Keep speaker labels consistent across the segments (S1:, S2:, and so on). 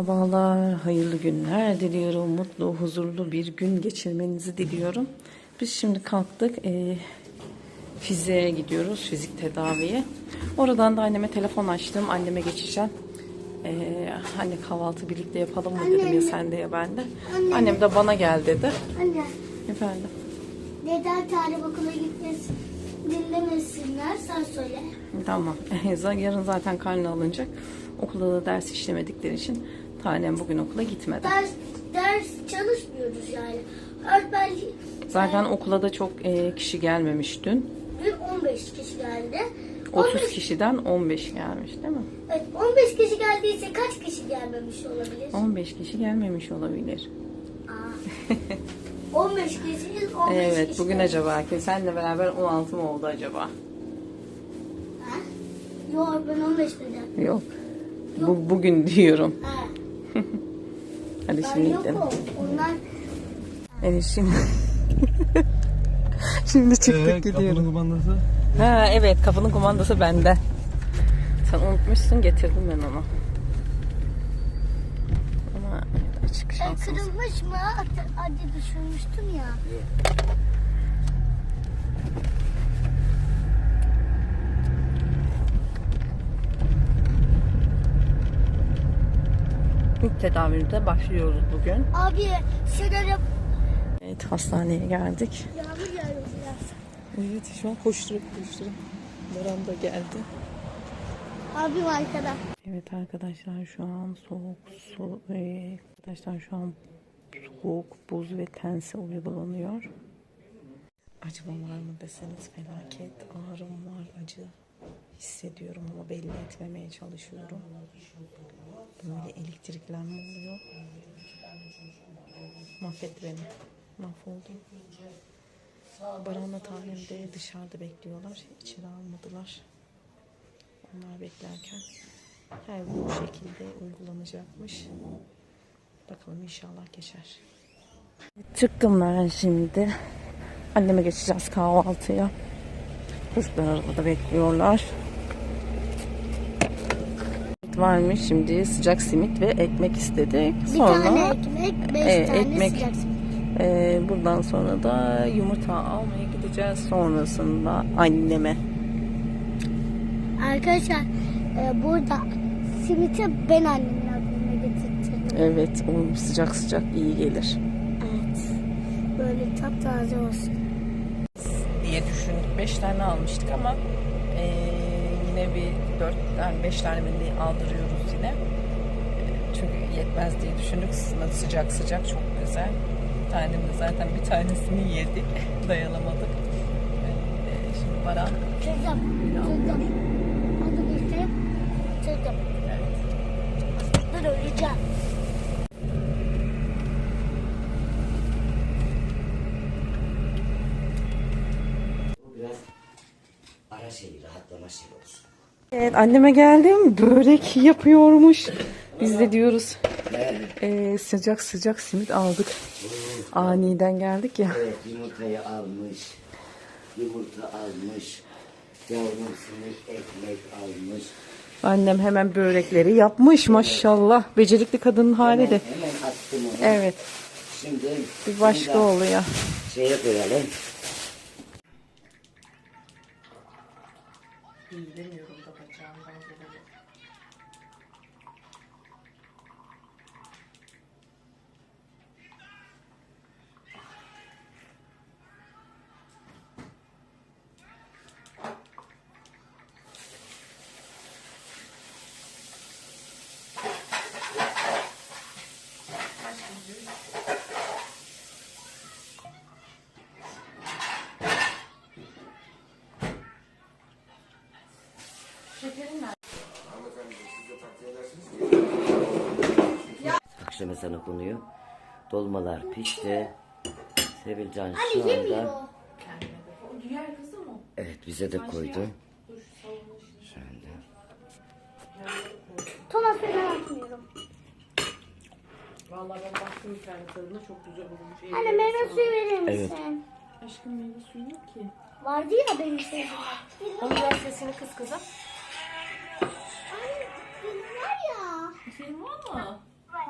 S1: Merhabalar, hayırlı günler diliyorum. Mutlu, huzurlu bir gün geçirmenizi diliyorum. Biz şimdi kalktık. Fiziğe gidiyoruz, fizik tedaviye. Oradan da anneme telefon açtım. Anneme geçeceğim. Hani kahvaltı birlikte yapalım mı dedim, ya sen de ya ben de. Annem de bana gel dedi.
S2: Anne.
S1: Efendim?
S2: Neden tarih okula gitmesin, dinlemesinler, sen söyle.
S1: Tamam. Yarın zaten karne alınacak. Okulda da ders işlemedikleri için tanem bugün okula gitmedi.
S2: Ders çalışmıyoruz yani. Öğretmen
S1: Zaten okula da çok kişi gelmemiş dün.
S2: dün 15 kişi geldi.
S1: 30 kişiden 15 gelmiş değil mi?
S2: Evet, 15 kişi geldiyse kaç kişi gelmemiş olabilir?
S1: 15 kişi gelmemiş olabilir.
S2: 15 kişiyiz, 15
S1: Evet,
S2: kişi.
S1: bugün acaba ki senle beraber 16 mı oldu acaba?
S2: Ha? Yok, ben 15 dedim.
S1: Yok. Bugün diyorum.
S2: Ha.
S1: Hadi
S2: Ben
S1: şimdi
S2: yokum.
S1: gidelim.
S2: Onlar
S1: Evet şimdi. Şimdi çıktık gidiyorum.
S3: Kapının kumandası.
S1: Ha evet, kapının kumandası bende. Sen unutmuşsun, getirdim ben onu. Ama açık şansımız.
S2: kırılmış mı? Hadi düşürmüştüm ya.
S1: İlk tedavide başlıyoruz bugün.
S2: Abi şöyle
S1: Evet, hastaneye geldik.
S2: yağmur yağıyor biraz.
S1: Evet, şu an koşturup Baran da geldi.
S2: Abim arkada.
S1: Evet arkadaşlar, şu an soğuk, buz ve tense uygulanıyor. Acıma var mı deseniz felaket. Ağrım var, acı hissediyorum ama belli etmemeye çalışıyorum. Böyle elektriklenme oluyor. Mahvetti beni. Mahvoldum. Baran'la Tanem de dışarıda bekliyorlar. İçeri almadılar. Onlar beklerken bu şekilde uygulanacakmış. Bakalım, inşallah geçer. Çıktım ben şimdi. Anneme geçeceğiz kahvaltıya. Çocuklar arabada bekliyorlar. Varmış, şimdi sıcak simit ve ekmek istedik. Sonra
S2: Bir tane ekmek, 5 tane
S1: ekmek.
S2: sıcak simit.
S1: Buradan sonra da yumurta almaya gideceğiz. Sonrasında anneme.
S2: Arkadaşlar burada simiti ben annemin abime getirdim.
S1: Evet, o sıcak sıcak iyi gelir
S2: Evet. Böyle taptaze olsun.
S1: diye düşündük. 5 tane almıştık ama yine bir 4 tane 5 tane mendil aldırıyoruz yine. Çünkü yetmez diye düşündük. Sıcak sıcak çok güzel. Tanem de zaten bir tanesini yedik. Dayanamadık. Şimdi Baran.
S2: Çözdüm. Hadi geçtim. Çözdüm.
S1: Evet.
S2: Dur öleceğim.
S4: Biraz ara rahatlama olsun.
S1: Evet, anneme geldim. Börek yapıyormuş. Biz de diyoruz sıcak sıcak simit aldık. Aniden geldik ya.
S4: Evet, yumurtayı almış. Yumurta almış. Yavrum simit ekmek almış.
S1: Annem hemen börekleri yapmış maşallah. Becerikli kadının hali de.
S4: Hemen attım onu.
S1: Evet.
S4: Şimdi
S1: Bir başka oluyor.
S4: şeye koyalım.
S1: Bilmiyorum da bacağımdan dolayı.
S4: Akşam ezanı okunuyor. Dolmalar pişti. Sevilcan
S2: Hani
S4: şu anda.
S2: yemiyor.
S4: Evet, bize de koydu. Şu anda.
S2: Thomas ben atmıyorum.
S1: Vallahi ben baktım internetlerinde, çok güzel olmuş.
S2: Anne meyve suyu verir misin?
S4: Evet.
S1: Aşkım, meyve suyu yok ki.
S2: Vardı ya benim sevdiğim.
S1: Onun biraz sesini kız kızım.
S2: Anne film var ya.
S1: Film var mı?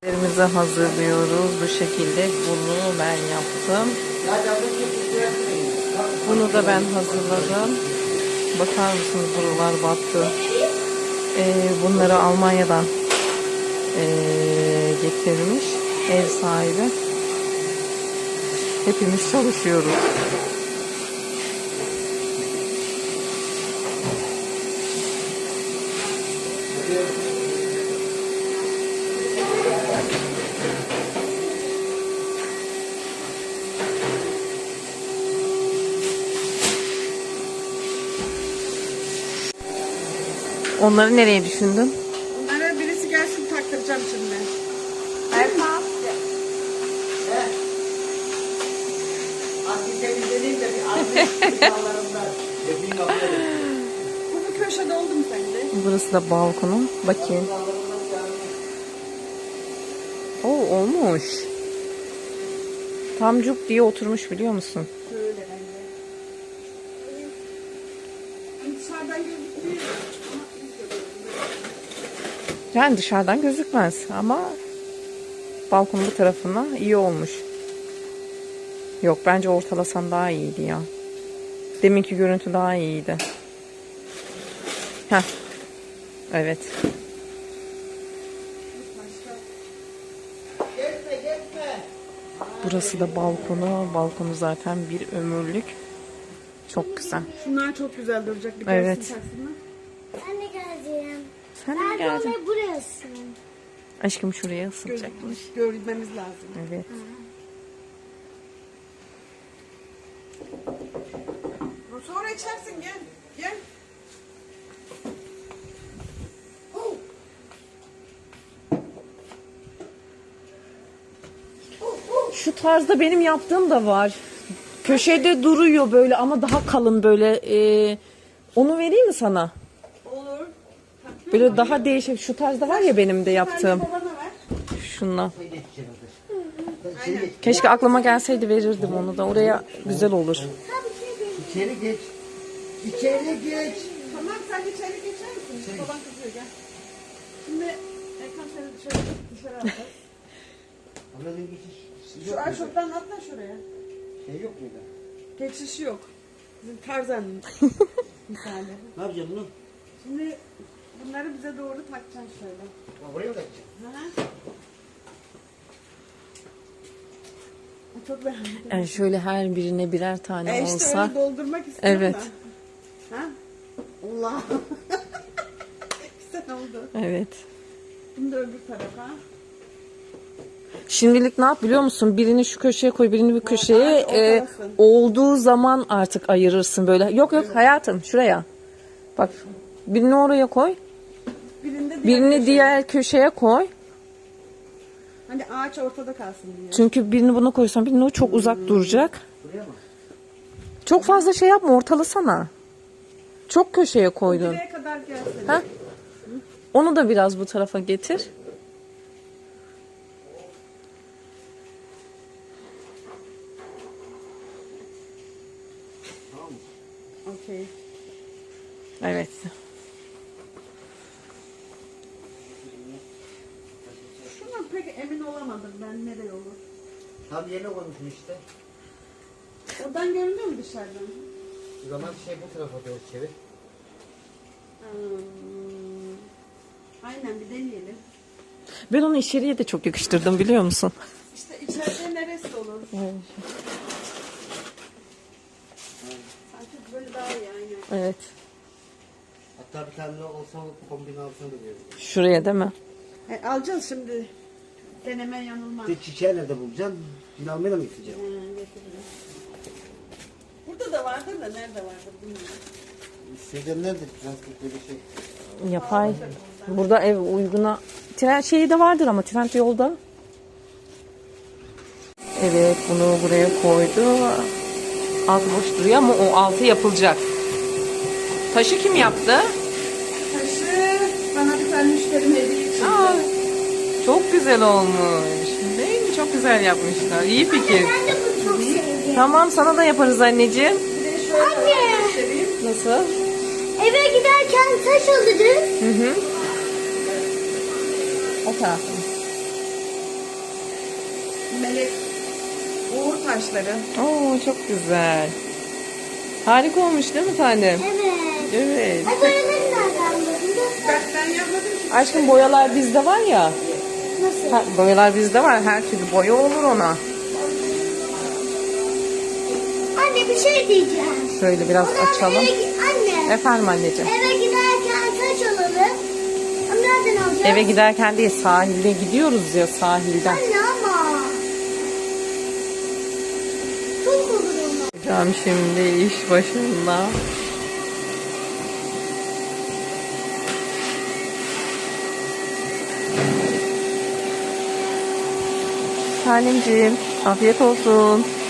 S1: Elimizi hazırlıyoruz. Bu şekilde bunu ben yaptım. Bunu da ben hazırladım. Bakar mısınız, buralar battı. Bunları Almanya'dan getirmiş ev sahibi. Hepimiz çalışıyoruz. Onları nereye düşündün?
S3: Onlara birisi gelsin taktıracağım şimdi. Bu köşede oldu mu sence?
S1: Burası da balkonu. Bakayım. Oo, olmuş. Tam cuk diye oturmuş, biliyor musun?
S3: Şöyle bence. Dışarıdan gözüküyor.
S1: Yani dışarıdan gözükmez ama balkonun bu tarafına iyi olmuş. Yok, bence ortalasan daha iyiydi ya. Deminki görüntü daha iyiydi. Heh. Evet. Burası da balkonu. Balkonu zaten bir ömürlük. Çok güzel.
S3: Şunlar çok güzel duracak. Bir
S1: Evet.
S3: gelsin taksınlar.
S2: Ben de geleceğim.
S1: Sen de
S2: Nerede
S1: geldin.
S2: olmayı burası?
S1: Aşkım şuraya ısıtacakmış.
S3: Görmemiz lazım.
S1: Evet.
S3: Sonra içersin, gel. Gel.
S1: Şu tarzda benim yaptığım da var. Köşede duruyor böyle ama daha kalın böyle. Onu vereyim mi sana?
S3: Olur.
S1: Böyle daha değişik. Şu tarzda var ya benim de yaptığım.
S3: Babana ver.
S1: Şundan. Keşke aklıma gelseydi, verirdim onu da. Oraya güzel olur.
S4: İçeri geç. İçeri geç.
S3: Tamam, sen içeri geçer misin? Baban kızıyor, gel. Şimdi Erkan seni dışarı atacağız.
S4: Anladın geçiş.
S3: Şu aşoptan atla şuraya.
S4: Şey yok muydu?
S3: Geçişi yok. Bizim Tarzan'ın misali.
S4: Ne yapacağım bunu?
S3: Şimdi bunları bize doğru takacaksın şöyle.
S4: Buraya mı takacağım?
S3: Hı hı. Çok beğendim.
S1: Yani şöyle her birine birer tane
S3: İşte
S1: olsa.
S3: öyle doldurmak istiyorum
S1: Evet.
S3: da. Ha? Allah. Güzel oldu.
S1: Evet.
S3: Bunu da öbür tarafa.
S1: Şimdilik ne yap biliyor musun? Birini şu köşeye koy, birini bir köşeye.
S3: evet, ortalasın.
S1: Olduğu zaman artık ayırırsın böyle. Yok yok hayatım, şuraya. Bak, birini oraya koy. Birini
S3: köşeye.
S1: diğer köşeye koy.
S3: Hani ağaç ortada kalsın diye.
S1: Çünkü birini buna koysan birini o çok uzak duracak. Çok fazla şey yapma, ortalasana. Çok köşeye koydun.
S3: Buraya kadar gelsin.
S1: Ha? Onu da biraz bu tarafa getir.
S3: Okey.
S1: Evet.
S3: Şuna pek emin olamadım ben, nereye olur.
S4: Tam yerine koymuşsun işte.
S3: Oradan görünüyor mu dışarıdan?
S4: O zaman şey bu tarafa doğru çevir.
S3: Aynen, bir deneyelim.
S1: Ben onu içeriye de çok yakıştırdım, biliyor musun?
S3: İşte içeride neresi olur?
S1: Evet.
S3: Sanki böyle daha iyi, aynen.
S1: Evet.
S4: Hatta bir tane olsa bu kombin altına da veririm.
S1: Şuraya değil mi?
S3: Alacağız şimdi. Deneme yanılma.
S4: Bir çiçeği nerede bulacaksın? Yine almaya mı gideceğim?
S3: Getiririm. Burada da vardır da nerede vardır bilmiyorum.
S4: Şeyden nerede? Transport böyle şey.
S1: Yapay. Burada ev uyguna. Tren şeyi de vardır ama tren yolda. Evet, bunu buraya koydu. Alt boş duruyor ama o altı yapılacak. Taşı kim yaptı?
S3: Taşı bana bir tane müşterim hediye için.
S1: Aa, çok güzel olmuş. Değil mi? Çok güzel yapmışlar. İyi fikir.
S2: Ben de bunu çok sevdim.
S1: Tamam, sana da yaparız anneciğim.
S3: Bir de şöyle
S2: Anne.
S3: göstereyim.
S1: Nasıl?
S2: Eve giderken taş alırız.
S1: Hı hı. O tarafta.
S3: melek uğur taşları.
S1: Oo çok güzel. Harika olmuş değil mi tanem?
S2: Evet.
S1: Evet.
S2: Ay boyaları nereden buldun?
S3: Ben yapmadım ki.
S1: Aşkım boyalar bizde var ya.
S2: Nasıl?
S1: Boyalar bizde var. Her türlü boya olur ona.
S2: Anne bir şey diyeceğim.
S1: Şöyle biraz açalım.
S2: Anne.
S1: Efendim anneciğim.
S2: Eve giderken taş alalım. Ama nereden alacağız?
S1: Eve giderken değil, sahilde gidiyoruz ya, sahilden.
S2: Anne ama. Çok olur ama.
S1: Hocam şimdi iş başında. Tanemciğim afiyet olsun.